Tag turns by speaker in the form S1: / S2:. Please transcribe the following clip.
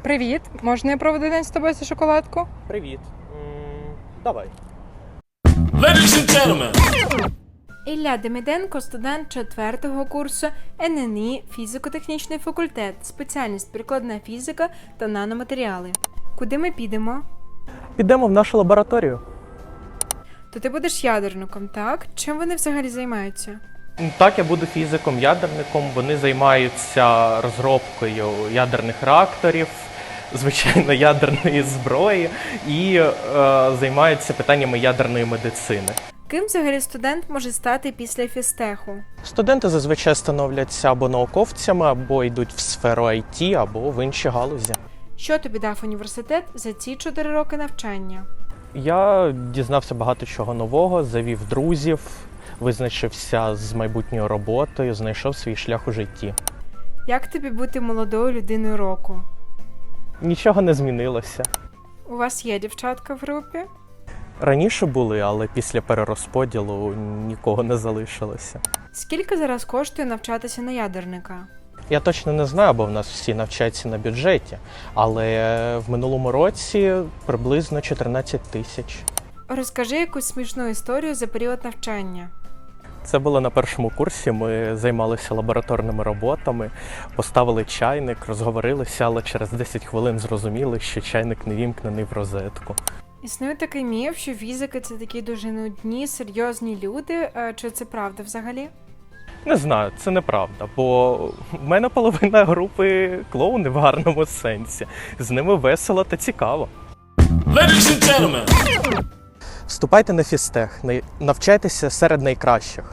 S1: Привіт! Можна я проведу день з тобою за шоколадку?
S2: Привіт. Давай.
S3: Ladies and gentlemen,
S1: Ілля Демиденко, студент 4-го курсу ННІ фізико-технічний факультет, спеціальність прикладна фізика та наноматеріали. Куди ми підемо?
S2: Підемо в нашу лабораторію.
S1: То ти будеш ядерником, так? Чим вони взагалі займаються?
S2: Так, я буду фізиком-ядерником. Вони займаються розробкою ядерних реакторів, звичайно, ядерної зброї і займаються питаннями ядерної медицини.
S1: Ким взагалі студент може стати після фізтеху?
S2: Студенти зазвичай становляться або науковцями, або йдуть в сферу IT, або в інші галузі.
S1: Що тобі дав університет за ці 4 роки навчання?
S2: Я дізнався багато чого нового, завів друзів, визначився з майбутньою роботою, знайшов свій шлях у житті.
S1: Як тобі бути молодою людиною року?
S2: Нічого не змінилося.
S1: У вас є дівчатка в групі?
S2: Раніше були, але після перерозподілу нікого не залишилося.
S1: Скільки зараз коштує навчатися на ядерника?
S2: Я точно не знаю, бо в нас всі навчаються на бюджеті, але в минулому році приблизно 14 тисяч.
S1: Розкажи якусь смішну історію за період навчання.
S2: Це було на першому курсі, ми займалися лабораторними роботами, поставили чайник, розговорилися, але через 10 хвилин зрозуміли, що чайник не вімкнений в розетку.
S1: Існує такий міф, що фізики – це такі дуже нудні, серйозні люди. Чи це правда взагалі?
S2: Не знаю, це неправда, бо в мене половина групи клоуни в гарному сенсі. З ними весело та цікаво.
S3: ladies and gentlemen.
S2: Вступайте на фізтех, навчайтеся серед найкращих.